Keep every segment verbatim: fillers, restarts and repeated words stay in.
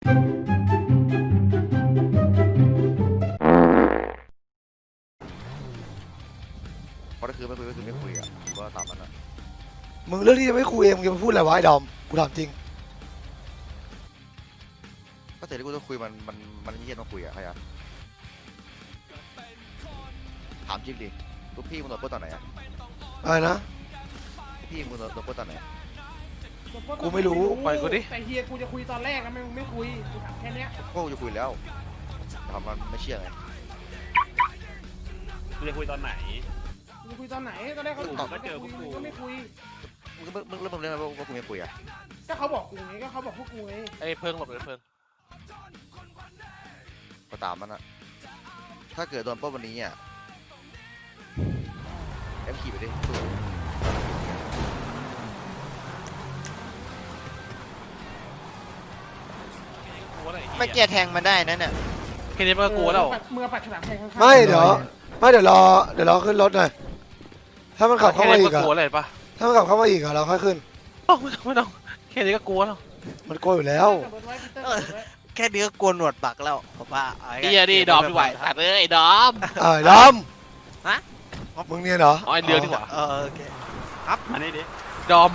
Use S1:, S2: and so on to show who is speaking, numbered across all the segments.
S1: เพราะถ้าคือไม่คุยก็คือไม่คุยอ่ะก็ตามนั้นอ่ะ
S2: มึงเรื่องที่จะไม่คุยเองมึงจะมาพูดอะไรวะไอ้ดอมกูถามจริง
S1: ก็แต่ที่กูต้องคุยมันมันมันไม่เย็นต้องคุยอ่ะใครอ่ะถามจริงดิลูกพี่มึงโดนปล้นตอนไหนอ่ะ
S2: อะไรนะ
S1: พี่มึงโดนปล้นตอนไหน
S2: กูไม่รู้
S3: ปล่อยกูดิ
S4: แต่เฮียกูจะคุยตอนแรกนะไม่ไม่คุยกูถามแค่เนี้ย
S1: ก็กูจะคุยแล้วถามมันไม่เชื่อไง
S3: กูจะคุยตอนไหน
S4: กูจะคุยตอนไหนตอนแรกเขาถามก็เจอพวกกูก็ไม่คุย
S1: มึงก็มึงเริ่มมึงเรื่องอะไรว่ากูไม่คุยอ่ะ
S4: ก็เขาบอกกูไงก็เขาบอกพวกกูไง
S3: ไอ้เพิ่งหลบเลยเพิ่ง
S1: ก็ตามมันอ่ะถ้าเกิดโดนปล้นวันนี้อ่ะเอ็มขี่ไปดิ
S5: ไม่เกียร์แทงมันได้นั่นน่ะ
S3: แค่นี้มันก็กลัวแล้ว
S4: เมื่อปัดฉลามแทงข้างๆ
S2: ไม่เดี๋ยวไม่เดี๋ยวรอเดี๋ยวรอขึ้นรถหน่อยถ้ามันขับเข้ามาอีกอะถ้ามันขับเข้ามาอีกอะเราค่อยขึ้น
S3: โอ้ไม่ต้องไม่ต้องแค่นี้ก็กลัวแล้ว
S2: มันกลัวอยู่แล้ว
S5: แค่นี้ก็กลัวหนวดปักแล้วผมว่า
S3: ไอ้ดิดอมดีกว่าตัดเลยไอ้ดอม
S2: เออดอม
S5: ฮะ
S2: มึงเนี่ยเหรอ
S3: อ๋อไอ้เรือดีกว่า
S5: เออโอเคครับ
S3: มานี่ดิดอม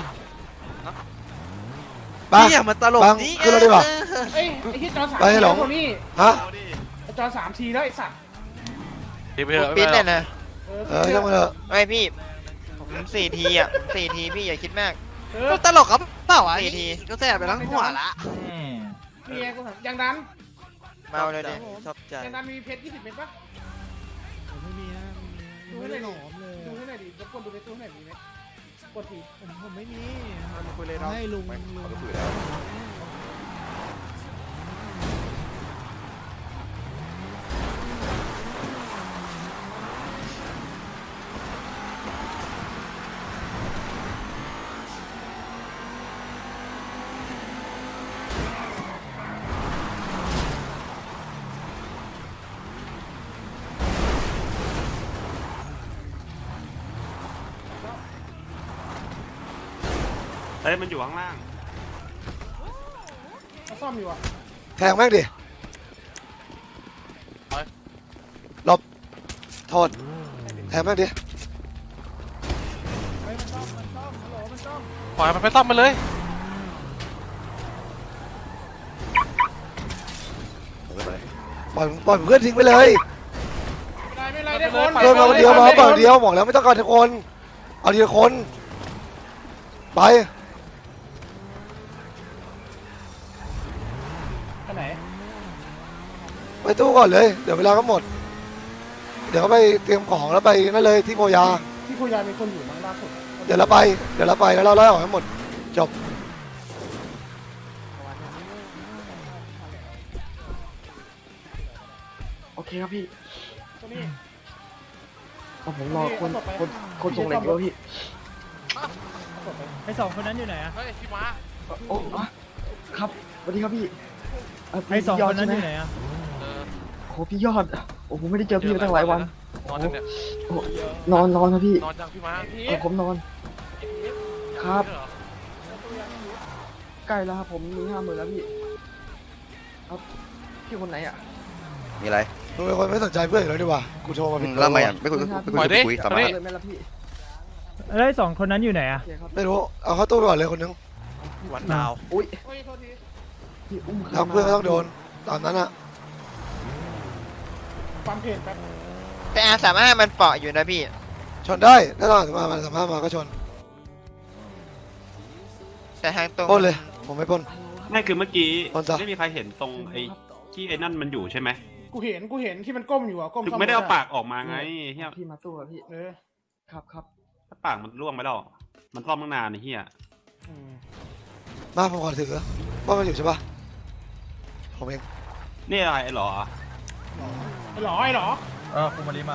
S5: นี่มันตลกนี่
S2: ขึ้นรถดีกว่า
S4: เอ้ยไอ้ที่จอสามทีแล้วคนนี้
S2: ฮะ
S4: ไอ้จอสามทีแล้วไอ้สัตว์
S5: ปิ้นเลยนะ
S2: เออช่างมันเถอะ
S5: ไม่พี่ผมสี่ทีอ่ะสี่ทีพี่อย่าคิดมากก็ตลกครับเปล่าวะสี่ทีก็แสบไปทั้งหัวละ
S4: นี่ไงกูถามยังดัน
S5: เมาเลยดิชอบใจ
S4: ยังดันมีเพชรยี่สิบเม็ดปะ
S6: ไม่มีนะ
S4: ดูให้หน่อยดิดูให้หน่อยดิรบกวนดูในตู้ให้หน่อยมีไหมกดที
S6: ผมผมไม่มี
S1: คุยเลยเนาะ
S6: ให้ลุงลุง
S1: คุยแล้ว
S3: เฮ้ยมันอยู่ข้างล่าง
S4: เขาซ่อมอยู่อ่ะ
S2: แทงแม่งดิหลบโทษแทงแม่งดิ
S4: ไปมันซ่อมมันซ่อมฮัลโหลมันซ่อม
S3: ปล่อยมันไปซ่อมมันเลย
S2: ปล่อยปล่อยเพื่อนทิ้งไปเลย
S4: ไม่ไรไม่ไรได้คน
S2: เดินมาคนเดียวมาปล่อยเดียวบอกแล้วไม่ต้องการทุกคนเอาทีละคนไป
S4: ไปไหน
S2: ไปตู้ก่อนเลยเดี๋ยวเวลาก็หมดเดี๋ยวไปเตรียมของแล้วไปนั่นเลยที่โพยา
S4: ที่โพยามีคนอยู่มั้งล่าสุด
S2: เดี๋ยวเราไปเดี๋ยวเราไปแล้วเราไล่ออกให้หมดจบ
S7: โอเคครับพี่ผมรอคนคนคนส่งเหล็กด้วยพี่
S6: ไอ้สองคนนั้นอยู่ไหนอะ
S3: เฮ้ยพี่มา
S7: โอ้ครับสวัสดีครับพี่
S6: ไอ้สองคนนั้นอยู่ไหนอะ
S7: โอ้พี่ยอดโอ้ผมไม่ได้เจอพี่มาตั้งหลายวัน
S3: นอนจังเนี่ย
S7: นอนนอนครับพี่
S3: นอนจังพี่มา
S7: เออผมนอนครับใกล้แล้วครับผมมีห้าหมื่นแล้วพี่ครับพี่คนไหนอ่ะ
S1: มีอะไร
S2: มึงเป็นคนไม่สนใจเพื่อนเลยดีกว่ากูโทรมาผิด
S1: แล้วทำไมอ่ะไม่คุยไม่คุยไม่คุยสามารถ
S7: เลยไม่ละพี่
S6: แล้วไอ้สองคนนั้นอยู่ไหนอะ
S2: ไม่รู้เอาเข้าตู้ไปก่อนเลยคนนึง
S3: วันดาว
S7: อุ้ย
S2: พี่อุ้มทำเพื่อนก็ต้องโดนตอนนั้นอะ
S4: ความเพจแป๊บ
S5: แต่อาสามารถมันเปาะอยู่นะพี่
S2: ชนได้ถ้าตอนมามันสามารถมาก็ชน
S5: แต่ทางตรง
S2: ปล้นเลยผมไม่ปล้น
S3: ไม่คือเมื่อกี้ไม่มีใครเห็นตรงไอ้ที่ไอ้นั่นมันอยู่ใช่ไหม
S4: กูเห็นกูเห็นที่มันก้มอยู่อ่ะก้ม
S3: ไม่ได้เอาปากออกมาไงเฮีย
S7: พี่มาตู้อะพี่
S4: เออ
S7: ครับครับ
S3: ถ้าปากมันร่วงไปแล้วมันซ่อมตั้งนานไอ้เฮีย
S2: มาผมขอถือว่ามันอยู่ใช่ปะผมเอง
S3: นี่อะไรหรอ
S4: ไอ้หรอไอ้หรอ
S6: เออคุณมาริมา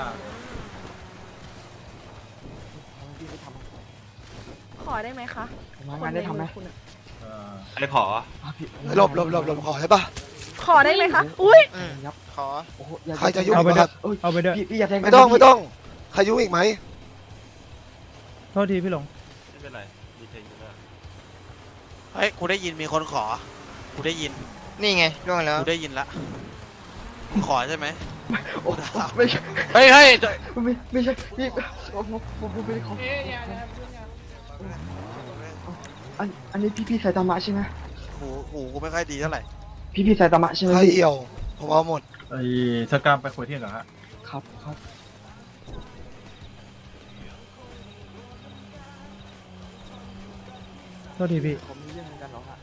S8: ขอได้ไหมคะ
S7: งานได้ทำไหม
S3: อะไรขอ
S2: หลบหลบหลบหลบขอได้ปะ
S8: ขอได้ไหมคะอุ้ย
S5: ขอ
S2: ใครจะยุ่งอีกครับ
S6: เอาไปด้วย
S7: พี่อย่าแทง
S2: ไม่ต้องไม่ต้องใครยุ่งอีกไหม
S6: โทษทีพี่หลง
S3: ไม่เป็นไรมีเพลงอยู่แล้ว
S5: เฮ้ยกูได้ยินมีคนขอกูได้ยินนี่ไงล่วงแล้ว
S9: กูได้ยินละขอใช่ไหม
S7: โอ้ไม่ใช่
S3: เฮ้ยเฮ้ย
S7: ไม่ไม่ใช่พี่ผมผมผมผมไม่ได้ขอ
S4: เอ๊ะอย่าอย่าพูดอย่า
S7: อันอันนี้พี่พี่ไซตามะใช่ไหม
S9: หูหูกูไม่ค่อยดีเท่าไหร่
S7: พี่พี่ไซตามะใช่ไหม
S2: ใคร
S7: พี่
S2: เอี่ยว ผมเอาหมด
S6: ไอ้สกามไปคุยที่เหรอฮะ
S7: ครับครับ
S6: โทษทีพี่
S7: ผมมีเรื่องเหมือนกันเหรอฮะ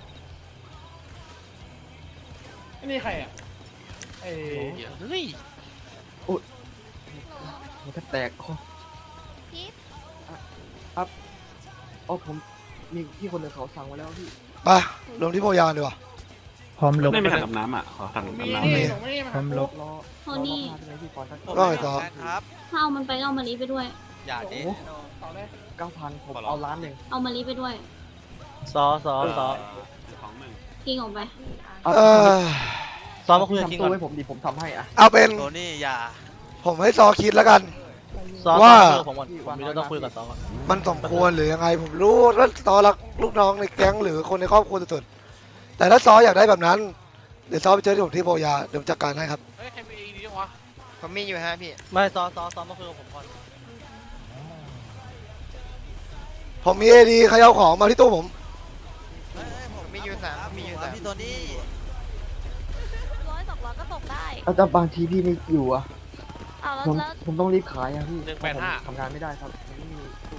S4: อันนี้ใครอ่ะไอ้
S9: เฮ้ย
S7: มันแทบแตกคอ
S8: พีท
S7: ครับอ๋อผมมีพี่คนหนึ่งเขาสั่งมาแล้วพี่
S2: ไปลงที่โพยานดีกว่า
S6: พร้อมลบ
S3: ไม่มีถังกับน้ำอ่ะขอถัง
S4: มี
S3: กับน้ำ
S4: นี่
S3: เลย
S4: ผมไม่ได้มา
S6: พร้อมลบ
S7: รอ
S8: โทนี่
S7: รอรอใช่ไหมพี่ก่อนสัก
S2: ก็ไอ้ต่อ
S9: ครับ
S8: ถ้าเอามันไปก็เอามาลีไปด้วย
S9: อย่าดิ
S4: ต่อเลย
S7: เก้าพันผมเอาล้านหนึ่ง
S8: เอามาลีไปด้วย
S5: ซอซอซอ
S3: ของมึง
S8: ทิ้งออกไป
S7: เอา
S2: เออ
S5: ซอมาคุยกับ
S7: ทำ
S5: คิง
S7: ตู้
S5: ก่อน
S7: ให้ผมดิผมทำให้อ่ะ
S2: เอาเป็น
S9: โทนี่อย่า
S2: ผมให้ซอคิดแล้วกัน
S5: ซอ
S2: ว่า
S5: ซอผมก่อนผมมีเรื่องต้องคุยกับซอก่อน
S2: มันสมควรหรือยังไง ผมรู้ว่าซอรักลูกน้องในแก๊งหรือคนในครอบครัวสุดๆแต่ถ้าซออยากได้แบบนั้น เดี๋ยวซอไปเจอที่ผมที่โพยาเดี๋ยวผมจัดการให้ครับ
S3: เฮ้ยใครมีดีวะ
S5: ผมมีอยู่ฮะพี่ไม่ซอซอซอมาคุยกับผมก่อน
S2: ผมมีเอดีใครเอาของมาที่ตู้ผม
S9: เฮ้ยผม
S5: มีอยู่สามมีอยู่สาม
S9: พี่โทนี่
S8: ร้อยสองร้อยก็ตกได้
S7: แล้วแต่บางทีพี่ไม่อยู่อ่ะ
S8: เอาแล้ว
S7: ผม
S8: แล้ว
S7: ผมต้องรีบขายอ่ะพี่
S3: หนึ่งแปดห้า
S7: ผมทำงานไม่ได้ครับผมไม่มีตู้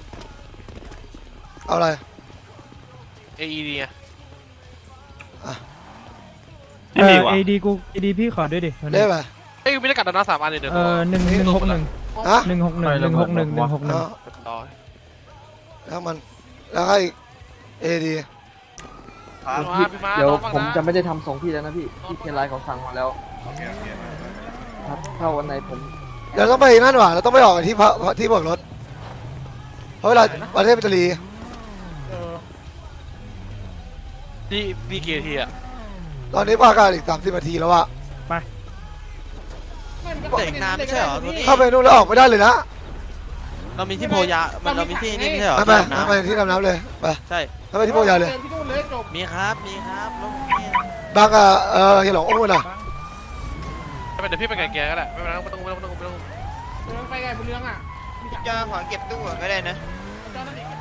S2: เอาอะไร
S3: เอดีไง
S2: อ่ะ
S6: เออเอดีกูเอดีพี่ขอด้วยดิ
S2: เรียกอะไร
S3: เฮ้ยมีได้กัดดานาสามอันเลยเดี๋ยว
S6: เออหนึ่งหนึ่งหกหนึ่ง
S2: ฮะ
S6: หนึ่งหกหนึ่งหนึ่งหกหนึ่งหนึ่งหกหนึ่ง
S2: เอา
S3: ต่อ
S2: แล้วมันแล้วให้เอดี
S3: มาพี่มา
S7: เดี๋ยว
S3: น้องบ้าง
S7: ผม
S3: นะ
S7: จะไม่ได้ทำส่งพี่แล้วนะพี่พี่เทนไลน์เขาสั่งมาแล้วครับถ้าวันไหนผม
S2: เดี๋ยวต้องไปนั่นหว่าเราต้องไปออกที่พระที่เบิกรถเพราะเวลาประเทศอิตาลี
S4: เออ
S3: ที่พี่เกียร์ทีอ่ะ
S2: ตอนนี้ประกาศอีกสามสิบนาทีแล้วอะ
S6: ไป
S9: เด็กน้ำไม่ใช่เหรอโทนี่
S2: เข้าไปนู่นแล้วออกไม่ได้เลยนะ
S9: เรามีที่โพยามันเรามีที่นี่ไม่ใช่เหรอ
S2: ไปไป
S9: ที่อาบ
S2: ไป
S9: น้ำ
S2: ที่ดำน้ำเลยไป
S9: ใช่
S2: ไปที่โพยาเลย
S4: ที่นู่นเลยจบ
S9: มีครับมีครับรถนี่
S2: บางอะเออเฮียหลงโอ้ยน่ะ
S3: ไม่เป็นเดี๋ยวพี่ไปไก่แกก็ได้ไม่เป็นไรไม่ต้องไม่ต้องไม่ต้องไม่ต้อง
S4: เรื่องไปไงบนเรื่องอ่ะมีจักร
S5: จะขอเก็บตู้ก่อนก็ได้นะ
S4: เจ้านั่นเอง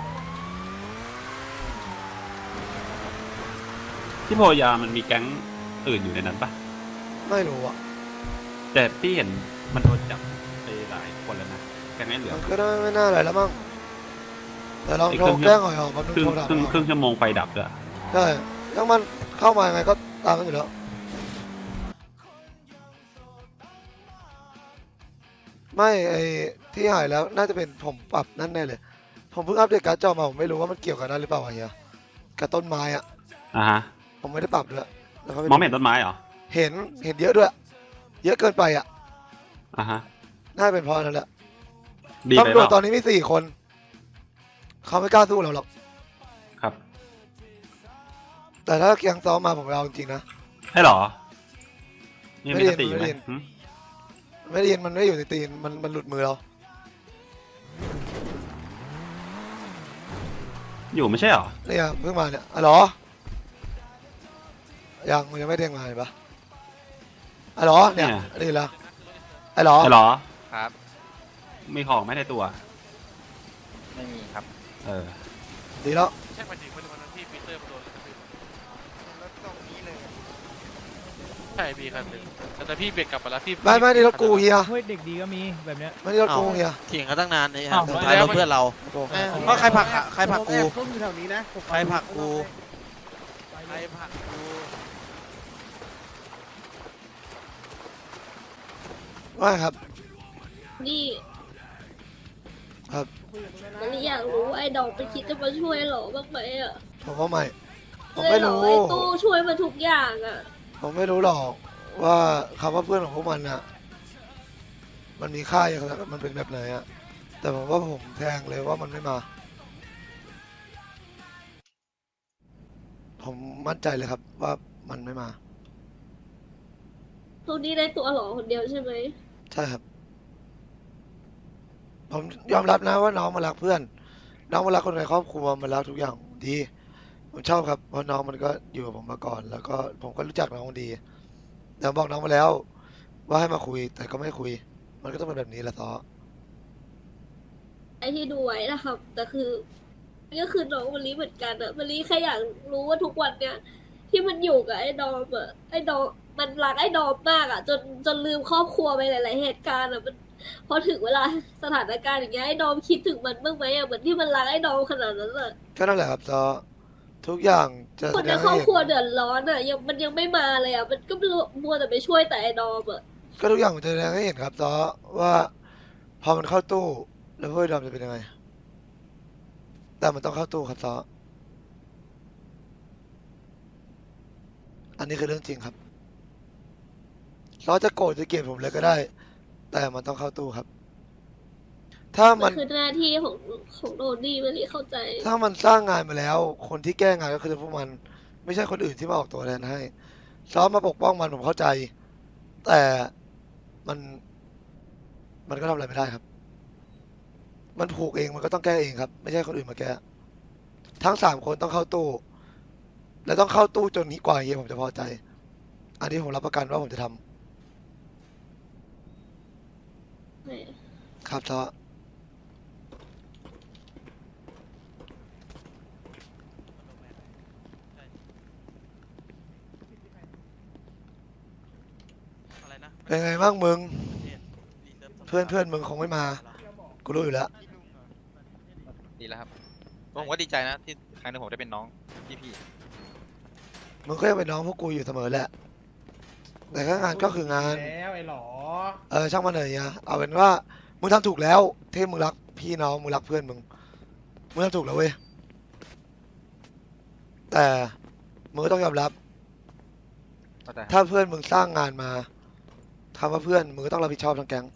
S3: ที่โพยามันมีแก๊งอื่นอยู่ในนั้นปะ
S2: ไม่รู้อะ
S3: แต่พี่เห็นมันโดนจับไปหลายคนแล้วนะแก๊งไอ้เหลือ
S2: มันก็ได้ไม่น่าอะไรแล้วมั้งแต่ลอง
S3: อีก
S2: โทร
S3: ครึ่ง
S2: แจ้งหน่อยออกมาดู
S3: ครึ่ง
S2: โทรดับ
S3: ครึ่งครึ่งชั่วโมงไฟดับด้วย
S2: ใช่ยังมันเข้ามายังไงก็ตามกันอยู่แล้วไม่ไอที่หายแล้วน่าจะเป็นผมปรับนั่นแน่เลย ผมเพิ่งอัปเดตการ์ดจอมาผมไม่รู้ว่ามันเกี่ยวกับนั้นหรือเปล่าวะเฮียกับต้นไม้อะ
S3: อ่าฮะ
S2: ผมไม่ได้ปรับด้วยแล้วก็ป
S3: มองไม่เห็นต้นไม้เหรอ
S2: เห็นเห็นเยอะด้วย เยอะเกินไปอ่ะ
S3: อ่าฮะ
S2: น่าจะเป็นเพราะนั้นแหละ
S3: ดีไป
S2: ตำร
S3: เป
S2: วจ
S3: ล่า
S2: ตอนนี้มีสี่คน เขาไม่กล้าสู้เราหรอก
S3: ครับ
S2: แต่ถ้าเกียงซ้อมมาผมเอาจริงๆนะ
S3: ให้เหรอนี่
S2: ไม่
S3: มี
S2: ได้
S3: สติอยู่ไหม
S2: ไม่ได้
S3: หึ
S2: ไม่ได้ยินมันไม่ได้อยู่ในตีนมันมันหลุดมือเรา
S3: อยู่ไม่ใช่เหรอ
S2: เนี่ยเพิ่งมาเนี่ยอ๋อเหรอยังมันยังไม่เด้งมาเห็นปะอ๋อเหรอเนี่ยนี่ละอ๋อเหรอ
S3: ใช่เหรอ
S5: ครับ
S3: มีของไหม่ในตัว
S5: ไม่มีครับ
S3: เออ
S2: ดีแล้ว
S3: ใช่ไปถึงวันนั้นที่ปีเตอร์มาโดน
S5: รถตรงนี้เลย
S3: ใช่พี่คันหนึ่งแต่พี่เบรกกลับมาแล้วพี่
S2: ไม่ไม่นี่รถกูเฮีย
S6: เฮ้ยเด็กดีก็มีแบบเนี้ย
S2: ไม่นี่รถกูเฮีย
S9: เถียงกันตั้งนานเลยฮะ
S6: อ้าว
S9: สุดท้ายรถเพื่อนเรา
S2: โอ้โห
S9: เพราะใครผลักอะใครผลักกู
S4: ต้มอยู่แถวนี้นะ
S9: ใครผลักกูใครผลักกู
S2: ว่าครับ
S8: นี่
S2: ครับ
S8: มันอยากรู้ว่าไอ้ดอกไปคิดจะมาช่วยหรอบ้างไหมอ่ะ
S2: ผมว่าไม่ผม
S8: เลย
S2: ไม่
S8: หรอ
S2: รู้
S8: ไอ้ตู้ช่วยมาทุกอย่างอ่ะ
S2: ผมไม่รู้หรอกว่าคำว่าเพื่อนของพวกมันอะมันมีค่าอย่างไรมันเป็นแบบไหนอะแต่ผมว่าผมแทงเลยว่ามันไม่มา ผมมั่นใจเลยครับว่ามันไม่มา
S8: ทุกนี้ได้ตัวหรอคนเดียวใช่ไหม
S2: ใช่ครับ ผมยอมรับนะว่าน้องมารักเพื่อน น้องมารักคนในครอบครัวมารักทุกอย่างดีผมชอบครับเพราะน้องมันก็อยู่กับผมมาก่อน แล้วก็ผมก็รู้จักน้องดีแต่บอกน้องมาแล้ว ว่าให้มาคุยแต่ก็ไม่คุย มันก็ต้องเป็นแบบนี้แหละซอ
S8: ไอที่ดูไว้นะครับแต่คือก็คือน้องมะลิเหมือนกันอะมะลิแค่อยากรู้ว่าทุกวันเนี้ยที่มันอยู่กับไอ้ดอมอะไอ้ดอมมันรักไอ้ดอมมากอะจนจนลืมครอบครัวไปหลาย ๆ เหตุการณ์อะมันพอถึงเวลาสถานการณ์อย่างเงี้ยไอ้ดอมคิดถึงมันบ้างไหมอะเหมือนที่มันรักไอ้ดอมขนาดนั้นอะ
S2: ก็นั่นแหละครับซอทุกอย่างจะ
S8: คน
S2: แสด
S8: ใน
S2: ง
S8: คร
S2: ให้
S8: อบ
S2: เห็น
S8: ครัวเดือดร้อนอะยังมันยังไม่มาเลยอะมันก็มัวแต่ไปช่วยแต่ไอ้ดอมอะ
S2: ก็ทุกอย่างมันจะแสดงให้เห็นครับซอว่าพอมันเข้าตู้ แล้วเพื่อนดอมจะเป็นยังไง แต่มันต้องเข้าตู้ครับซออันนี้คือเรื่องจริงครับซอจะโกรธจะเกลียดผมเลยก็ได้ แต่มันต้องเข้าตู้ครับ ถ้า
S8: มั
S2: มัน น
S8: คือหน้าที่ของของโดนี่มะลิเข้าใจ
S2: ถ้ามันสร้างงานมาแล้ว คนที่แก้งานก็คือพวกมัน ไม่ใช่คนอื่นที่มาออกตัวแทนให้ซ้อมมาปกป้องมันผมเข้าใจ แต่มัน มันก็ทำอะไรไม่ได้ครับ มันผูกเองมันก็ต้องแก้เองครับ ไม่ใช่คนอื่นมาแก้ ทั้งสามคนต้องเข้าตู้ และต้องเข้าตู้จนนี้กว่าเฮียผมจะพอใจ อันนี้ผมรับประกันว่าผมจะทำครับซ้อ
S9: อะไรนะ
S2: เป็นไงบ้างมึง เพื่อนเพื่อนมึงคงไม่มา กูรู้อยู่แล้ว
S10: ดีแล้วครับผมก็ดีใจนะที่ครั้งหนึงผมได้เป็นน้องพี่พี่
S2: มึงก็ยังเป็นน้องพวกกูอยู่เสมอแหละ แต่ก็งานก็คืองาน
S4: แล้วไอ้หลอ
S2: เออช่างมันเลยเนี่ยเอาเป็นว่ามึงทำถูกแล้วที่มึงรักพี่น้องมึงรักเพื่อนมึงมึงทำถูกแล้วเว้ยแต่มึงก็ต้องยอมรับ
S10: เข้าใจครับ
S2: ถ้าเพื่อนมึงสร้างงานมาทำว่าเพื่อนมึงก็ต้องรับผิดชอบทั้งแก๊ง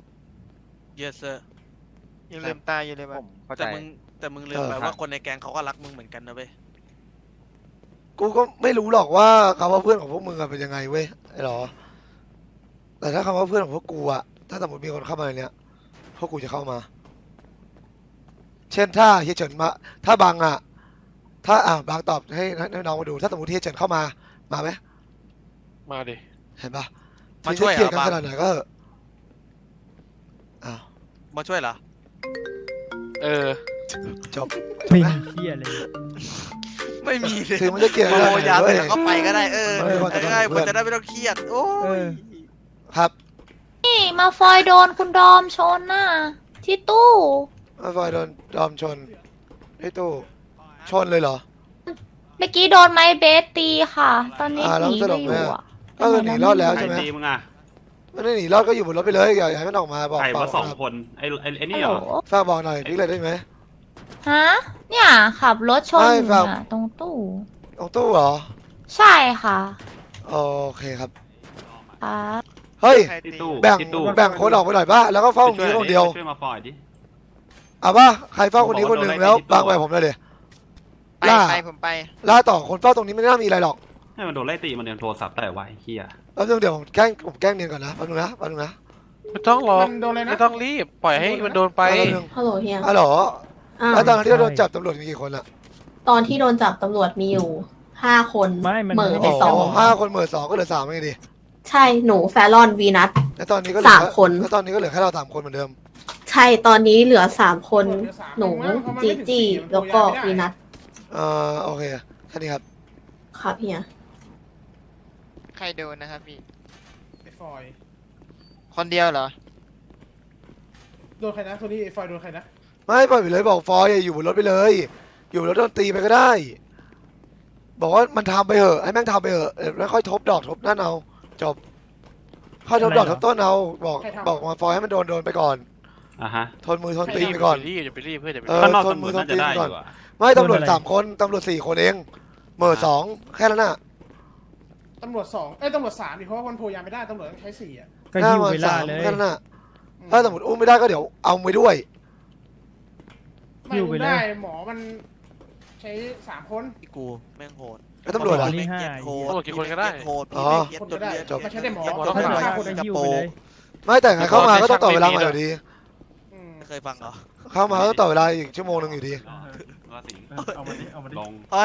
S9: yes sir
S5: อย่าลืมตายอย่าลืม
S10: ผมเข้าใจ
S9: แต่มึงแต่มึงลืม
S2: เออ
S9: ไป
S2: ครับ
S9: ว่าคนในแก๊งเขาก็รักมึงเหมือนกันนะเว้ย
S2: กูก็ไม่รู้หรอกว่าคำว่าเพื่อนของพวกมึงอะเป็นยังไงเว้ยไอ้หรอ แต่ถ้าคำว่าเพื่อนของพวกกูอะถ้าสมมติมีคนเข้ามาในเนี้ยพวกกูจะเข้ามา เช่นถ้าเฮียเฉินมา ถ้าบางอะถ้าอ่ะบางตอบให้ให้น้องมาดู ถ้าสมมติเฮียเฉินเข้ามามาไหม
S11: มาดิ
S2: เห็นปะ
S9: มาช่วย
S2: ถึงจะเกลียดกัน
S9: เหรอ
S2: ขนาดไหนก็เถอะอ้าว
S9: มาช่วยเหรอ
S11: เออ
S2: จบจบ
S6: ไม่
S2: ไหม
S6: มีเที่ยเลย
S9: ไม่มีเลย
S2: ถึงมันจะเกลียด
S9: โม
S2: กันขนาดไหน
S9: ยา
S2: เว้
S9: แต่
S2: ย
S9: ก็ไปก็ได้เออ
S2: ไม่ว่าจะ
S9: ง่าย
S2: เพื่
S9: มั
S2: อน
S9: นจะได้ไม่ต้องเครียดโอ้
S6: เอย อ
S2: ครับ
S8: นี่มาฟอยโดนคุณดอมชนน่ะที่ตู้
S2: มาฟอยโดนดอมชนไอ้ตู้ชนเลยเหรอ
S8: เมื่อกี้โดนไม้เบสตีค่ะ ตอนนี้
S2: อ่า
S8: ห
S2: แล้ว
S8: นี
S2: ส
S8: ไป
S2: รุป
S8: อ
S2: ไหม
S8: ยู่
S2: อะ
S8: อะ
S2: ก็คือหนีรอดแล้ว
S3: ใคร
S2: ใช่ไหม
S3: ตีมึงอ่ะ
S2: ไม่ได้หนีรอดก็อยู่บนรถไปเลยอย่าอย่าให้มันออกมาบอก
S3: ใคร
S2: ฝาก
S3: ว่าสอง
S2: บอก
S3: คนไอ้ไอ้ไอ้
S8: ฮั
S3: นี่
S8: ล
S3: เห
S8: โห
S3: ร
S8: ล
S3: อ
S2: ฝากบอกหน่อยพี่เลยได้ไหม
S8: ฮะ เนี่ยขับรถชน
S2: ไม่
S8: อยู่
S2: ครับ
S8: น่ะตรงตู้
S2: ตรงตู้เหรอ
S8: ใช่ค่ะ
S2: โอเคครับ
S8: ครับ
S2: เฮ้ย
S5: ใคร
S3: ที่
S5: ตี
S3: ตู้
S2: แบ่ง
S3: ที่ตู้
S2: แบ่งคนออกไปหน่อยป่ะแล้วก็เฝ้าตรง
S3: ช่วย
S2: นี้คนเดียว
S3: ช่วยมาฟอยดิ
S2: เอาป่ะใครเฝ้าคนนี้คนหนึ่ง
S3: ผมบอกว่า
S2: แล้ว
S3: โดนไล่ตีที่ตู้
S2: บางไปผมเลยเดี๋ย
S5: ไป
S2: ล่า
S5: ไปผมไป
S2: ล่าต่อคนเฝ้าตรงนี้ไม่น่ามีอะไรหรอก
S3: ให้มันโดนไล่ตีมันยังโทรศัพท์ได้ไวะไอ้เฮีย
S2: แล้วเดี๋ยวผมแกล้งผมแกล้งเนียนก่อนนะแป๊บนึงนะแป๊บนึงนะ
S11: ไม่ต้องรอ
S4: มันโดนเลยนะ
S11: ไม่ต้องรีบ ปล่อยให้มันโดนไป
S2: แป๊บนึง
S7: ฮัลโหลเฮีย
S2: อ๋อเหรอ
S7: อ่า
S2: แล้วตอนนั้นที่เราโดนจับตำรวจมีกี่คนอะ
S7: ตอนที่โดนจับตำรวจมีอยู่ห้าคน
S6: ไม่มัน
S7: เหม่อ
S6: ไม่
S7: ไป
S6: ได้
S7: สอง
S2: ห้าคนเหมือสองก็เหลือสามไงดิ
S7: ใช่หนูแฟรอนวีนัท
S2: แล้วตอนนี้ก็เหลือ
S7: สามคน
S2: แล้วตอนนี้ก็เหลือแค่เราสามคนเหมือนเดิม
S7: ใช่ตอนนี้เหลือสามคน
S4: เหลือสาม
S7: หนู
S4: เพราะมัน
S7: จี
S4: ไม่ถึง
S7: จี
S4: สี่มัน
S7: แล้วก็
S4: โทรยาไม่ได้
S7: วีนัท
S2: เอ่อโอเคแค่นี้ครับ
S7: ครับเฮีย
S5: ใครโดนนะครับพี่
S4: ไอ้ฟอย
S5: คนเดียวเหรอ
S4: โดนใครนะโทนี่ไอ้ฟอยโดนใครนะ
S2: ไม่ปล่อยไปเลยบอกฟอยอย่าอยู่บนรถไปเลย อยู่บนรถโดนตีไปก็ได้ บอกว่ามันทำไปเถอะให้แม่งทำไปเถอะเดี๋ยวแล้วค่อยทบดอกทบนั่นเอาจบค่อยทบดอกทบต้นเอาบอกบอกมาฟอยให้มันโดนโดนไปก่อน
S3: อ่ะฮะ
S2: ทนมือทนตีนไปก่อน
S11: อย่าไปรีบอย่าไปรีบเพื่อนอย่าไป
S2: เอ
S11: รี
S2: อ
S11: บ
S3: ข้างนอก
S2: ทน
S3: ตำร
S2: มื
S3: ว
S2: อ
S3: จ
S2: ทน
S3: น่าจะ
S2: ตีน
S3: ได้
S2: ไป
S3: อ
S2: ก่อน
S3: ยู่อ่ะ
S2: ไม่ตำรวจสามคนตำรวจสี่คนเองเหมื่อสองแค่นั้นน่ะ
S4: ตำรวจสองเอ้ยตำรวจสามดิเพราะว่ามันโทรยาไม่ได้ตำรวจต้องใช้สี่อ่ะ
S6: ก็หิ้วเวลาเลย
S2: แค่นั้นน่ะถ้าสมมติอุ้มไม่ได้ก็เดี๋ยวเอาไปด้วย
S4: ไม่
S6: หิ้วไป
S4: รู้
S6: เลย
S4: ได้หมอมันใช้สามคน
S9: พี่กูแม่งโหด
S2: แล้วตำรวจ
S6: ต
S2: อ่ะ
S6: นี่ห้า
S9: โหด
S11: ตำรวจกี่คนก็ได้
S9: โหด
S2: อ๋
S9: พี่
S2: อ
S9: แม่งเย็ดจนเลือด
S2: จบ
S4: ไม่ใช่ได้หมอ
S9: เย็ด
S4: ถ้า
S9: จน
S4: เป็น
S9: เลือด
S4: ฆ่าคน
S9: ก
S4: ได้
S9: ระ
S4: หิ้ว
S9: โป
S4: ไป
S9: ร
S4: เล
S9: ง
S4: ย
S2: ไม่แต่ไงเข้ามาก็ต้องต่อเวลามาอยู่ดี
S4: อืม
S9: ไม่เคยฟังเหรอ
S2: เข้ามาก็ต้องต่อเวลาอีกชั่วโมงหนึงอยู่ดี
S3: ว่าสิ
S6: เอามาดิเอามาดิ
S3: ลง
S9: เอ้ย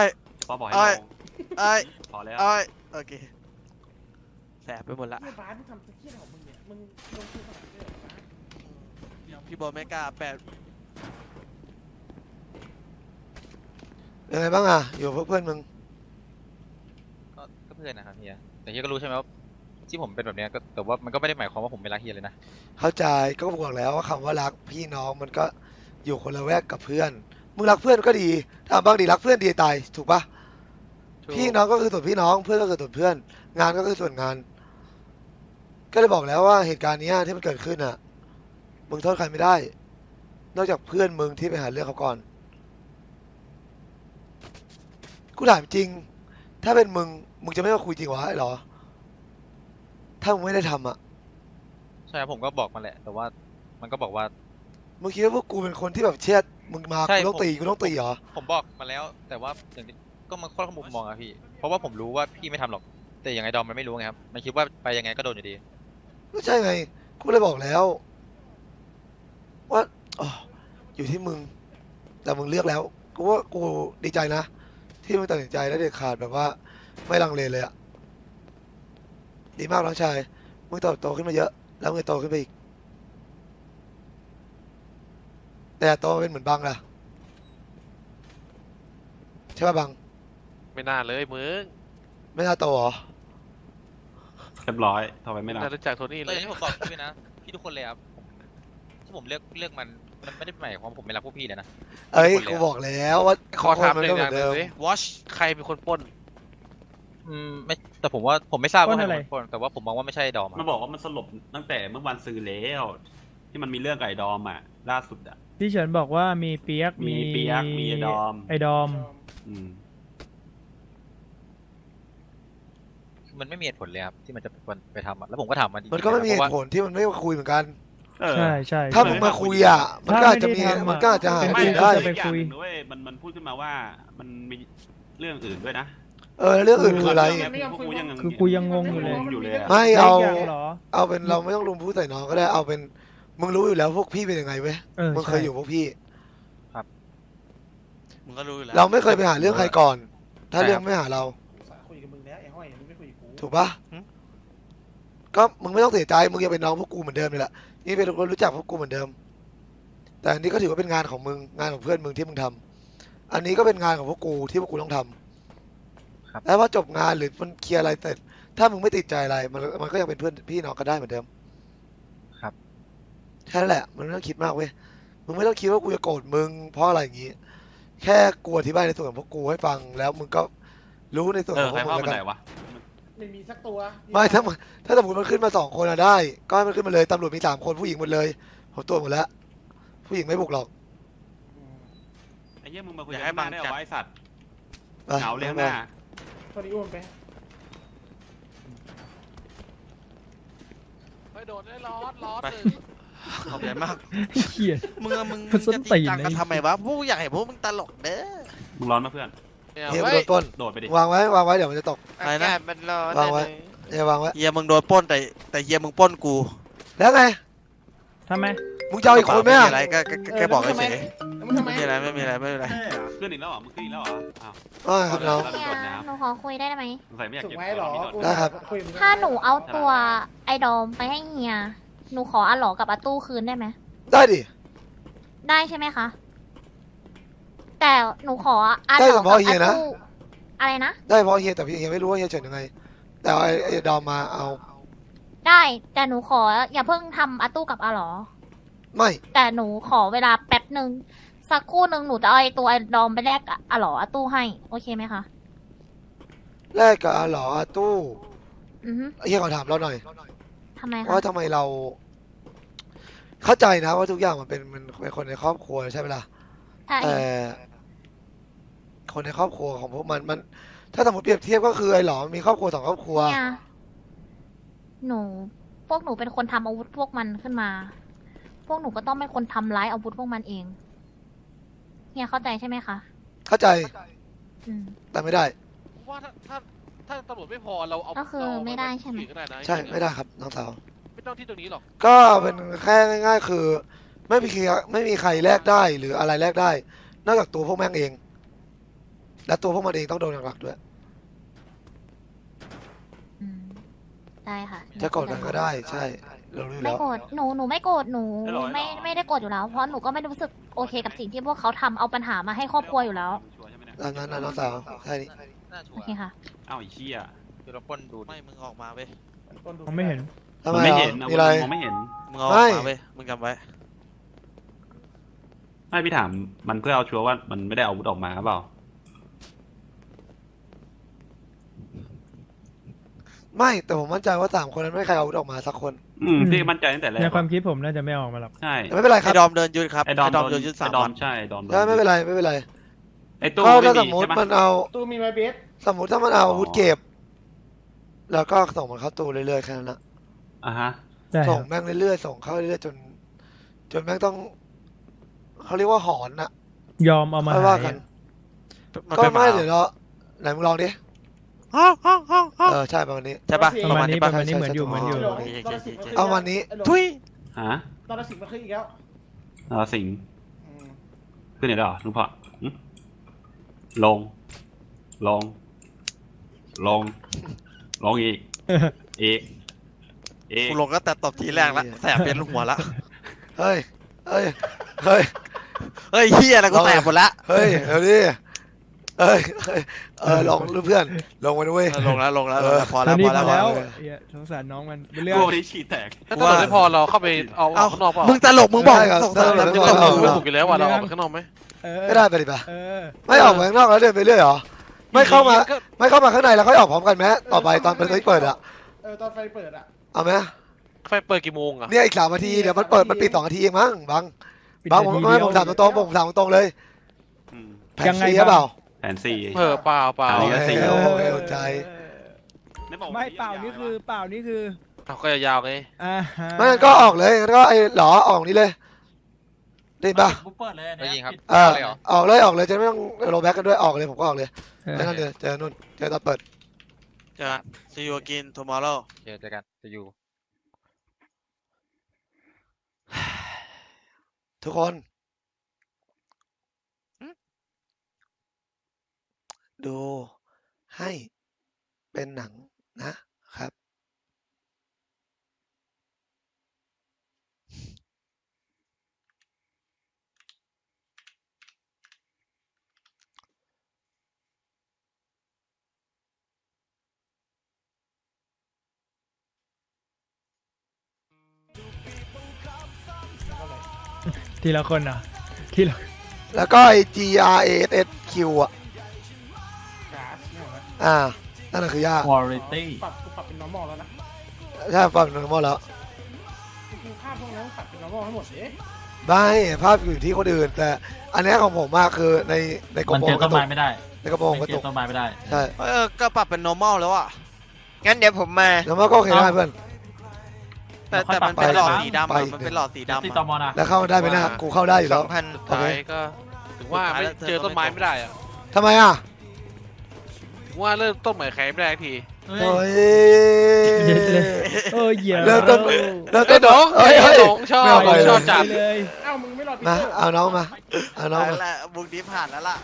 S3: ป้าบอกให้
S9: เอ้ย
S3: ลง
S9: เอ้ย
S3: พอแล้ว
S9: เอ้ยโอเคแสบไปหมดละ
S4: เฮียบ้านมึงทำตัวเฮียของมึงเนี่ยมึงลงทุนขนาดนี้เลยเหรอบ้าน
S9: พี่บอลไม่กล้าแปด
S2: ยังไงบ้างอ่ะอยู่กับเพื่อนมึง
S10: ก็ก็เพื่อนนะครับเฮียแต่เฮียก็รู้ใช่ไหมว่าที่ผมเป็นแบบเนี้ยก็แต่ว่ามันก็ไม่ได้หมายความว่าผมไม่รักเฮียเลยนะ
S2: เข้าใจก็บอกแล้วว่าคำว่ารักพี่น้องมันก็อยู่คนละแวกกับเพื่อนมึงรักเพื่อนก็ดีถ้าบางดีรักเพื่อนดีตายถูกปะพี่น้องก็คือส่วนพี่น้องเพื่อนก็คือส่วนเพื่อน งานก็คือส่วนงาน ก็เลยบอกแล้วว่าเหตุการณ์เนี้ยที่มันเกิดขึ้นอ่ะมึงโทษใครไม่ได้ นอกจากเพื่อนมึงที่ไปหาเรื่องเขาก่อนกูถามจริง ถ้าเป็นมึงมึงจะไม่มาคุยจริงวะไอ้หรอถ้ามึงไม่ได้ทำอ่ะ
S10: ใช่ครับผมก็บอกมาแหละ แต่ว่ามันก็บอกว่า
S2: มึงคิดว่าพวกกูเป็นคนที่แบบเช็ดมึงมา
S10: ใช่
S2: กูต้อง
S10: ผม
S2: ตีกูต้องตีเหรอ
S10: ผมบอกมาแล้ว แต่ว่าอย่างที่ก็มันคนละมุมมองอะพี่ เพราะว่าผมรู้ว่าพี่ไม่ทำหรอก แต่ยังไงดอมมันไม่รู้ไงครับมันคิดว่าไปยังไงก็โดนอยู่ดี
S2: ไม่ใช่ไงกูเลยบอกแล้ว ว่าอ๋ออยู่ที่มึง แต่มึงเลือกแล้วกูว่ากูดีใจนะที่มึงตัดสินใจและเด็ดขาดแบบว่า ไม่ลังเลเลยอะดีมากน้องชายมึงเติบโตขึ้นมาเยอะ แล้วมึงโตขึ้นไปอีก แต่โตเป็นเหมือนบังล่ะใช่ป่ะบัง
S11: ไม่น่าเลยมึง
S2: ไม่น่าโตเหรอ
S3: เรียบร้อยทำไมไม่รับ
S11: น่ารู้จักโทนี่
S10: แต่
S11: เล
S10: อย ย่างที่ผมบอกพี่นะ พี่ทุกคนเลยครับผมที่ผมเลือกเลือกมันมันไม่ได้หมายความว่าผมไม่รักพวกพี่เลยนะ
S2: เอ้ย
S10: ทุกคนเลย
S2: กู
S10: อะ
S2: บอกแล้วว่า
S11: ขอถาม
S2: คน
S11: ห
S2: มัน
S11: นึ่
S2: ก็
S11: ง
S2: เห
S11: อ
S2: มื
S11: ย่า
S2: อง น
S11: หนึ่
S2: เดิ
S11: ง
S2: ม
S11: เลย watch ใครเป็นคนปล้น
S10: อืมไม่แต่ผมว่าผมไม่ทราบ
S6: ปล้
S10: ว่าน ใคร
S6: อะไร
S10: เป็นคนแต่ว่าผมมองว่าไม่ใช่ดอมอะ
S3: มันบอกว่ามันสลบตั้งแต่เมื่อวันซื้อแล้วที่มันมีเรื่องกับไอ้ดอมอ่ะล่าสุดอ่ะ
S6: พี่เฉินบอกว่ามีเปียก
S3: มีเปี๊ยกมีไอ้ดอม
S6: ไอ้ดอม
S3: อืม
S10: มันไม่มีเหตุผลเลยครับที่มันจะเป็นไปทำอะแล้วผมก็ถามมันจริงๆ
S2: มันก็ไม่มีเห
S10: เพราะว่า
S2: ตุผลที่มันไม่มาคุยเหมือนกัน
S3: เออ
S6: ใช่ใช่
S2: ถ้ามึงมาคุยอ่ะ มันก็อาจจะมี
S6: ถ้าไม่ได้ทำอะ
S2: มันก็อาจจะหา
S6: เป็น
S2: คุย
S6: ม่
S2: ได้
S6: จะไปคุย
S3: อีกอางหนึ่งด้วยมันมันพูดขึ้นมาว่ามันมีเรื่องอื่นด้วยนะ
S2: เออแล้วเรื่องอื่นคืออะไร
S3: พวกกูยัง
S6: คือกูยังงงอยู่เลย
S3: อยู่เลยอะ
S2: ไม่เอา
S6: แยกย่งเหรอ
S2: เอาเป็นเราไม่ต้องลุมพูดใส่น้องก็ได้เอาเป็นมึงรู้อยู่แล้วพวกพี่เป็นยังไงเว้ย
S6: เออ
S2: มึงเค
S6: ใช่
S2: ยอยู่พวกพี่
S9: มึงก็รู้อยู่แล้ว
S2: เราไม่เคยไปหาเรื่องใครก่อน ถ้า
S10: ใช่
S2: เรื่อ
S10: ค
S2: ง
S10: รับ
S2: ไม่หาเรา
S4: คุยกับมึงแล้วไอ้ห้อยมึงไม่คุยกับกู
S2: ถูกปะก็มึงไม่ต้องเสียใจมึงยังเป็นน้องพวกกูเหมือนเดิมเลยแหละนี่เป็นคนรู้จักพวกกูเหมือนเดิม แต่อันนี้ก็ถือว่าเป็นงานของมึงงานของเพื่อนมึงที่มึงทำอันนี้ก็เป็นงานของพวกกูที่พวกกูต้องทำ
S10: ครับ
S2: แล้วพอจบงานหรือมันเคลียร์อะไรเสร็จ ถ้ามึงไม่ติดใจอะไร มันมันก็ยังเป็นเพื่อนพี่น้องกันได้เหมือนเดิม
S10: ครับ
S2: แค่นั้นแหละ มันไม่ต้องคิดมากเว้ย มึงไม่ต้องคิดว่ากูจะโกรธมึงเพราะอะไรอย่างงี้ แค่กูอธิบายในส่วนของพวกกูให้ฟัง แล้วมึงก็รู้ในส่วน
S3: เอ
S2: ข
S3: อ
S2: องพ
S3: ใคว ร
S2: กมึ
S3: พ่อง
S2: แล้ว
S3: มัน
S2: กัน
S3: ไหนวะ
S4: ไม่มีสักตัว
S2: ไม่ถ้ามึงถ้าสมมติมันขึ้นมาสองคนอะได้ ก็ให้มันขึ้นมาเลยตำรวจมีสามคนผู้หญิงหมดเลยผมตัวจหมดแล้ว ผู้หญิงไม่บุกหรอก
S3: ไอ้เหี้ยมึงมาคุย
S9: อยาก
S3: กั
S9: ให้
S3: น
S9: บั
S3: มาง ได้เหร
S9: จั
S3: อ
S9: ด
S3: วะไอ้สัตว์
S2: ไป
S3: เหงาเลยหน้า
S4: ตอนนี้อ้วนไป
S11: ไปโดดได้ร้อนร้อน
S9: ไป
S11: เลย
S9: ขอบใจมาก
S6: เหี้ย
S9: มึงอะมึง
S6: มันส้น
S9: จะจ
S6: ตี
S9: ริง
S6: น
S9: จังกัน
S6: ไอ้
S9: ทำไมวะพวกกูอยากเห็นพวกมึงตลกเด้อ
S3: มึงร้อนมาเพื่อน
S11: เนี่ย
S2: เฮีย
S11: เว้
S2: โด
S11: ย
S2: นปล้น
S3: โดดไปดิ
S2: วางไว้วางไว้เดี๋ยวมันจะตก
S9: อะไรนะ
S5: อากาศมันร้อน
S2: วางไว้
S5: เลย
S2: เฮียวางไว้
S9: เฮียมึงโดนปล้นแต่แต่เฮียมึงปล้นกู
S2: แล้วไง
S6: ทำไม
S2: มึงจะเอาอีกคนไหม
S9: ไม่
S2: อะ
S9: มีอะไรก็ก็ก็แค่บอกเฉย
S4: แล้วมึงทำ
S9: ๆ
S4: ไม
S9: ไม่มีอะไรไม่มีอะไรไม่มีอะไร
S3: ขึ้นอีกแล้วเหรอมึงขึ้นอีกแล้วเหรออ้าว
S2: ว่าไงครับน้อง
S3: แล้วโดดน้
S12: หนูขอคุยได้ไหม
S3: ำสงสัยไม่อยาก
S4: ถูก
S3: เก็บ
S4: ไหมหรอ
S3: ของ
S4: กู
S2: ได้ครับ
S4: คุยกับมึง
S12: ถ้าหนูเอาตัวไอ้ดอมไปให้เฮีย หนูขออาหลอกับอาตู้คืนได้ไหม
S2: ได้ดิ
S12: ได้ใช่ไหมคะ แต่หนูขออาห
S2: ได้
S12: ล
S2: เฉ
S12: อกับ
S2: พาะเฮีย
S12: อา
S2: นะ
S12: ตู้อะไรนะ
S2: ได้เพราะเฮียแต่พี่เฮียไม่รู้ว่าเฮียเฉินยังไง แต่เอาไอ้ไอ้ดอมมาเอา
S12: ได้ แต่หนูขออย่าเพิ่งทำอาตู้กับอาหลอ
S2: ไม่
S12: แต่หนูขอเวลาแป๊บหนึ่งสักครู่หนึ่งหนูจะเอาไอ้ตัวไอ้ดอมไปแลกกับอาหลออาตู้ให้ โอเคไหมคะ
S2: แลกกับอาหลออาตู้
S12: อือฮึ
S2: เฮียขอถามเราหน่อย
S12: ทำไมคะ
S2: ว่าทำไมเรา เข้าใจนะว่าทุกอย่างมันเป็นมันเป็นคนในครอบครัวใช่ไหมล่ะ
S12: ใช่
S2: แต่คนในครอบครัวของพวกมันมัน ถ้าสมมติเปรียบเทียบก็คือไอ้หลอมมีครอบครัวสองครอบครัว
S12: เนี่ยหนู พวกหนูเป็นคนทำอาวุธพวกมันขึ้นมา พวกหนูก็ต้องเป็นคนทำร้ายอาวุธพวกมันเองเฮียเข้าใจใช่ไหมคะ
S2: เข้าใจ
S12: อืม
S2: แต่ไม่ได้
S11: ว่าถ้าถ้าถ้าตำรวจไม่พอเราเอา
S12: ก็คือ
S11: เราเอา
S12: ไม่ได้ใช่ไหม
S11: ที่อื่นก็ได้นะ
S2: ใช่ไม่ได้ครับน้องสาว
S11: ไม่ต้องที่ตรงนี้หรอก
S2: ก็เป็นแค่ง่าย ๆ คือ ไม่มีใครไม่มีใครแลกได้หรืออะไรแลกได้ นอกจากตัวพวกแม่งเองและตัวพวกมันเองต้องโดนหนักๆด้วย
S12: อืมได้ค่ะ
S2: จะโกรธกันก็ได้ใช่เรารู้อยู่
S12: ไม่
S2: แล้ว
S12: โกรธหนูหนูไม่โกรธหนูไม่ไม่ได้โกรธอยู่แล้ว เพราะหนูก็ไม่รู้สึกโอเคกับสิ่งที่พวกเขาทำเอาปัญหามาให้ครอบครัวอยู่แล้ว
S3: ชัวร์ใช่ไหมเนี่ย
S2: ตามนั้นนะน้องสาวใช่นี่
S10: น่าชั
S12: โอ
S10: วร์
S12: เคค่ะ
S3: อ้าวไอ้เชี่ย
S10: คือเราปล้นดู
S9: ไม่มึงออกมาเว้ย
S6: ผมไม่เห็น
S2: ทำ
S3: มัน
S2: ไม
S3: ไม่
S2: อ่ะ
S3: เห็น
S2: มีอะไร
S3: มองไม่เห็น
S9: มึงเอาอ
S2: ไม่
S9: อกมาเว้ยมึงจำไว้
S3: ไม่พี่ถามมันเพื่อเอาชัวร์ว่ามันไม่ได้เอาอาวุธออกมาหรือเปล่า
S2: ไม่แต่ผมมั่นใจว่าสามคนนั้นไม่มีใครเอาอาวุธออกมาสักคน
S3: อืมพี่มั่นใจตั้งแต่แรก
S6: ในความคิดผมน่าจะไม่ออกมาหรอก
S3: ใช่
S2: แต่ไม่เป็นไรค
S9: ไอ้
S2: รับ
S9: ดอมเดินยืดครับ
S3: ไอ้ดอม
S9: ไอ้ดอม
S3: โด
S9: เดิ
S3: น
S9: นยืดสาม
S3: ไอ้ดอ
S9: วั
S3: ม
S9: น
S3: ใช่ไอ้ดอมโดน
S2: ใช่ไม่เป็นไรไม่เป็นไร
S3: ไอ้ตู้
S2: ก็
S3: ไม่
S2: ถ้าส
S3: มี
S2: มมติ
S3: ใช่ไหม
S2: มันเอา
S4: ตู้มีไม้เบส
S2: สมมติถ้ามันเอา
S3: อ๋อ
S2: อาวุธเก็บ แล้วก็ส่งมันเข้าตู้เรื่อยๆแค่นั้นนะ
S3: อ่ะฮะ
S6: ได้ค
S2: ส่
S6: รั
S2: ง
S6: บ
S2: แม่งเรื่อยๆส่งเข้าเรื่อยๆจน จนแม่งต้องเขาเรียกว่าหอนน่ะ
S6: ยอมเอามา
S2: ค่อยว่า
S6: หาย
S2: กัน
S9: มัน
S2: ก็
S9: เป็นห
S2: ไม่
S9: มา
S2: เดี๋ยวเราไหนมึงลองดิ
S9: ฮ่าฮ่าฮ่าฮ่า
S2: เออใช่ประมาณนี้
S9: ใช่ปะ
S6: ประมาณนี้
S9: ปะ
S6: ประมาณนี้เหมือนอยู่
S2: ใช่
S6: เหมือนอยู่
S2: ใช่
S4: หลงตอนละสิบมันขึ้น
S2: เอาวันนี้
S9: ทุย
S3: ฮะ
S4: ตอนละสิบมันขึ้นอีกแล้ว
S3: เอาสิง
S4: อืม
S3: ขึ้นไหนแล้วเหรอลุงพ่อหึลง ลง ลง ลงอีก อีก อีก
S9: กูลงก็แต่ตบทีแรกละแสบเป็นหัวละ
S2: เฮ้ยเฮ้ยเฮ้ย
S9: เฮ้ยเฮียอะไรกูแสบหมดละ
S2: เฮ้ยเดี๋ยวดิเอ้ยเฮ้ยเออลองเพื่อนลงมาด้วย
S9: เออลงแล้วลงแล้ว
S2: เอ
S9: ลง
S2: อ
S9: แล้วพอ
S6: ต
S9: แล้
S6: อ
S9: วน
S6: นี้
S9: พอ
S6: พ
S9: แล้
S6: อ
S9: วพอ
S6: แล้
S9: แล้ว ว
S6: เหี้ยสงสารน้องมันเป็นเรื่อง
S3: กูวันนี้ฉี่แตก
S11: ถ้าตำรวจไม่พอเราเข้าไปเอาออกข้างนอกเปล่า
S9: มึงตลกมึงบอก
S2: ได้ครับ
S9: ส่งสาร
S2: ได้
S9: แล้ว
S2: ครับ
S9: มึงตลก
S11: มึงไม่ถูกอยู่แล้วว่ะเราออกไปข้างนอกไหม
S6: เออ
S2: ไม่ได้ไปดิปะ
S6: เออ
S2: ไม่ออกไปข้างนอกแล้วเดินไปเรื่อยเหรอไม่เข้ามาไม่เข้ามาข้างในแล้วค่อยออกพร้อมกันไหมต่อไปตอนเป็นเปิดอะ
S4: เออตอนไฟเปิดอ่ะ
S2: เอาไหม
S11: ไฟเปิดกี่โมงอ่ะ
S2: เนี่ยอีกสามนาทีเดี๋ยวมันเปิดมันปิดสองนาทีเองมั้งบัง
S6: ปิด
S2: บังผม
S6: นาที
S2: ไม่
S6: เดียว
S2: ผมถามตรงๆผมถามตรงๆเลย
S3: อืม
S2: แผน
S6: ยังไง
S2: ซีหรือเปล่า
S3: แผนสี่
S11: เออเปล่าเปล่า
S3: อันนี้ก็สี่
S2: โอเคโอเค
S3: ไม่บอก
S6: ไม่เปล่านี่คือเปล่านี่คือ
S11: เอาก็ยาวๆไง
S6: อ่าฮะ
S2: ไม่งั้นก็ออกเลยงั้นก็ไอ้หลอออกนี้เลยได้ยินปะ
S9: เปิดเลย
S10: ไม่ยิงครับ
S2: เออ
S10: เลยเหรอ
S2: ออกเลยออกเลยจะไม่ต้องโรแบ็กกันด้วยออกเลยผมก็ออกเลย
S6: เออ
S2: แค่นั้นเลยเจอนู่นเจอตอนเปิด
S9: จะ see you again tomorrow
S10: เจอเจอกันจะอยู่
S2: ทุกคนดูให้เป็นหนังนะครับ
S6: ทีละคนอ่ะทีละ
S2: แล้วก็ไอ้ G R A S S Q อ่ะ
S4: ก๊าซเนี่ยเหรอ
S2: อ่า นั่นนะคือยาก
S6: วอริตี้
S4: ปรับกูปรับเป็น normal แล้วนะ
S2: ใช่ฟังนึงหมดแล้ว
S4: กูภาพพวกนั้นปรับเป็น normal ให้หมดเอ๊ะ
S2: ไม่ภาพอยู่ที่คนอื่น แต่อันเนี้ยของผมมากคือในในกระ
S6: มัน
S2: โปร
S6: เจอง
S2: ก
S6: ต้
S2: ระ
S6: น
S2: ตุ
S6: ไม้
S2: ก
S6: ไม่ได้
S2: ในกระโปรงกระ
S6: เจ
S2: ตุ
S6: อก ต้นไม้ไม่ได้
S2: ใช่
S9: เออก็ปรับเป็น normal แล้วอ่ะ
S5: งั้นเดี๋ยวผมมา
S2: แล้วมันก็โอเคได้เพื่อน
S9: แต่
S6: ค่อย
S9: แต่มันเป็น
S6: ป
S9: หล
S6: รับ
S9: อด
S6: ไป
S9: สีดำ
S2: ไป
S9: อะมันเป็นหลอดสีดำ
S6: ที่
S9: อะ
S6: ตมนะ
S2: แล้วเข้าได้ไหมนะกูเข้าได้อยู่
S5: ส
S2: แล้
S5: อ
S2: ว
S5: งพัน
S11: สุดท้ายก็ถึงว่าไม่เจอต้นไม้ไม่ได้อะ
S2: ทำไมอ่ะ
S11: ถึงว่าเริ่มต้นใหม่ใครไม่ได้ที
S6: เฮ้
S2: โอ้
S6: ย
S2: ย
S6: เออเหยียบ
S2: เริ่มต้น แล้ว
S11: ไอ้
S2: ก็
S11: น้อง
S2: เฮ้ย
S11: ไอ้
S2: เฮ้ย
S11: น้องชอบ
S2: ไม่เอาไป
S11: ชอบจัด
S6: เลย
S4: เอ้ามึงไม่รอปี
S2: มา
S4: เตอร์
S2: เอาน้องมาเอาน้อง
S9: นั่
S2: มาน
S9: แหละบุกนี้ผ่านแล้วล่ะ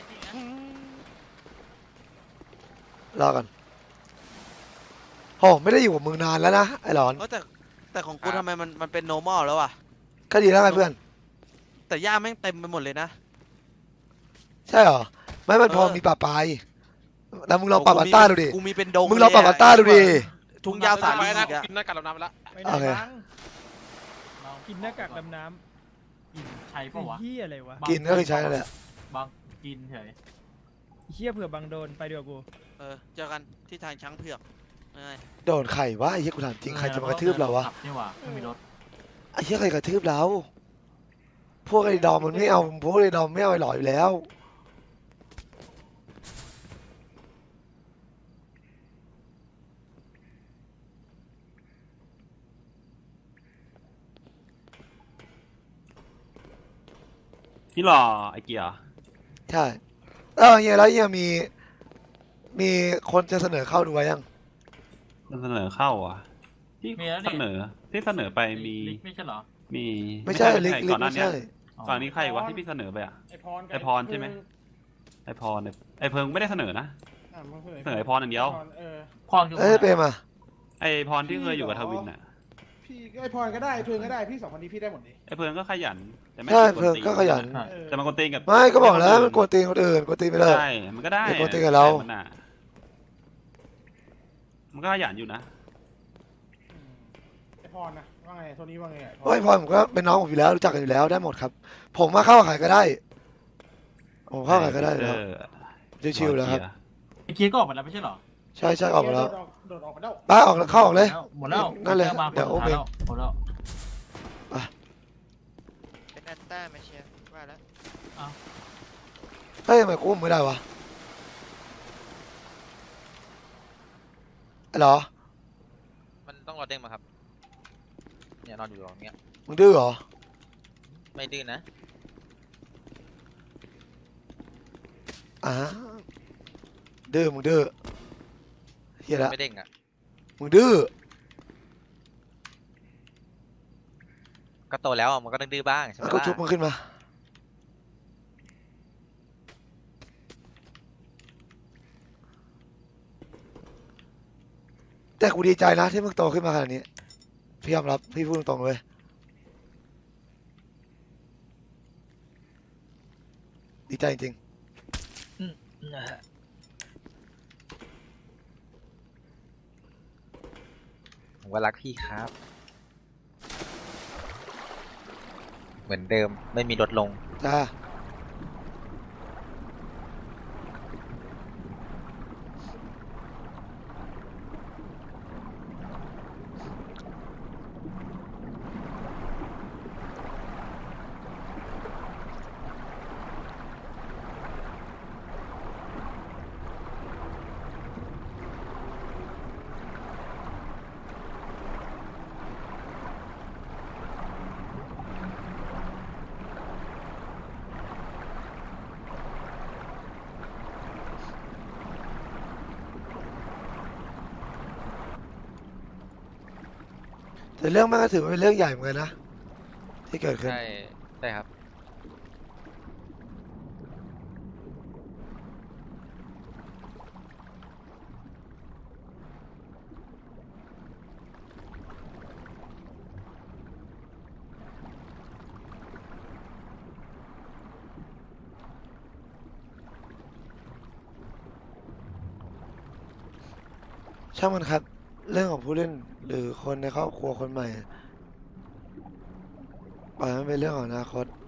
S2: รอก่อนโอ้ไม่ได้อยู่กับมึงนานแล้วนะไอ้หลอน
S9: เออแต่แต่ของกูทำไมมันมันเป็น normal แล้วอ่ะ
S2: ก็ดีแล้วไงเพื่อน
S9: แต่หญ้าแม่งเต็มไปหมดเลยนะ
S2: ใช่เหรอไม่มันพอ
S9: เออ
S2: มีป่าปลายแล้วมึงลองปรับอัตราดูดิ
S9: กูมีเป็นดง
S2: มึงลองปรับอัตราดูดิ
S9: ทุ่งหญ้าสา
S11: ไป
S9: ลี
S11: นะ
S9: อีกอะ
S11: กินหน้ากากดำน้ำไปละ
S6: ไม่ได้
S2: โอเค
S6: บ้างกินหน้ากากดำน้ำกินใช้ปะวะเฮียอะไรวะ
S2: กินก็คือใช้นั่นแหละ
S6: บางกินเฉยเฮียเผื่อบางโดนไปดีกว่ากู
S9: เออเจอกันที่ทางช้างเผือกยังไง
S2: โดนไข่วะไอ้เหี้ยกูถามจริงใครจะมากระทืบเราวะ
S6: นี่วะไม่มีรถ
S2: ไอ้เหี้ยใครกระทืบเราพวกไอ้ดอมมันไม่เอาพวกไอ้ดอมไม่เอาไอ้หล่ออยู่แล้ว
S3: นี่หรอไอ้เกียร์
S2: ใช่แล้วเฮียแล้วเฮียมี มีคนจะเสนอเข้าดูไว้ยัง
S3: เสนอเข้าอ่ะที่เสนอที่เสนอไปมี
S6: ไม่ใช่เหรอ
S3: มี
S2: ไม่ใช่ลิกลิ
S3: ก่
S2: ก
S3: อนหน้า
S2: ไม่
S3: นี้
S2: ใช่
S3: ก่อนนี้ใครวะที่พี่เสนอไปอ่ะ
S4: ไอพรกับ
S3: ไอ้พรใช่ไหม
S4: ก
S3: ไอพรเนี่ยไอเพิงไม่ได้เสนอนะ
S4: อ่ะมันคือ
S3: เสนอไอพรอย่างเดียว
S4: เออ
S6: พรคือ
S2: เอ้ยเปรมอ่ะ
S3: ไอพรที่เคยอยู่กับทวินน่ะ
S4: พี่ไอพรก็ได้ไอเพิงก็ได้พี่สองคนนี้พี่ได้หมดเลย
S3: ไอเพิงก็ขยันแต่ไม่
S2: ใช่
S3: กวน
S2: เพิ่ง
S3: ตีน
S2: ก็ขยัน
S4: เออ
S3: แต่มันกวนตีนกับ
S2: ไม่ก็บอกแล้วมันกวนตีนคนอื่นกวนตีนไปเลย
S3: ใช่มันก็ได้
S2: อย่ากวนตีนกับเรา
S3: แต่มันน่ะมันก็ขยันอยู่นะ
S4: อืมไอพรนะว่าไงโทนี่ว่าไงไอพร
S2: โอ้ยพอผมก็เป็นน้องผมอยู่แล้วรู้จักกันอยู่แล้วได้หมดครับ ผมมาเข้าขายก็ได้ผมเข้าขายก็ได้แล้ว
S3: เออ
S2: ชิวๆแล้วครับ
S6: ไอ้เคียร์ก็ออกมาแล้วไม่ใช่เหรอ
S2: ใช่ใช่ออกมาแล้ว
S4: โดดโดดออกมาแล้ว
S2: บ้าออกแล้วเข้าออกเลย
S6: หมดแล้ว
S2: นั่นเลย
S6: มา
S2: เดี๋ยวโอเค
S6: หมดแล้ว
S5: เป็นแอนต้ามาเชียร์ว่าแล้ว
S2: เฮ้ยทำไมกุ้มไม่ได้วะเหรอ
S10: มันต้องรอเด้งมาครับเนี่ยนอนอยู่ตรงเนี้ย
S2: มึงดื้อเหรอ
S10: ไม่ดื้อนะ
S2: อ่าดื้อมึงดื้อเฮียละ
S10: ไม่เด้งอ่ะ
S2: มึงดื้อ
S10: ก็โตแล้วอะมันก็ต้องดื้อบ้างใช่ไหม
S2: แล้วก็
S10: ล่ะ
S2: ชุบมึงขึ้นมาแต่กูดีใจนะที่มึงโตขึ้นมาขนาดนี้พี่ยอมรับพี่พูดตรงๆเลยดีใจจริง
S10: ผมก็รักพี่ครับ เหมือนเดิมไม่มีลดลง
S2: จ้าแต่เรื่องมันก็ถือว่าเป็นเรื่องใหญ่เหมือนกันนะที่เกิดขึ้น
S10: ใช่ใช่ครับ
S2: ช่างมันครับ เรื่องของผู้เล่นหรือคนในครอบครัวคนใหม่ปล่อยมันเป็นเรื่องของอนาคต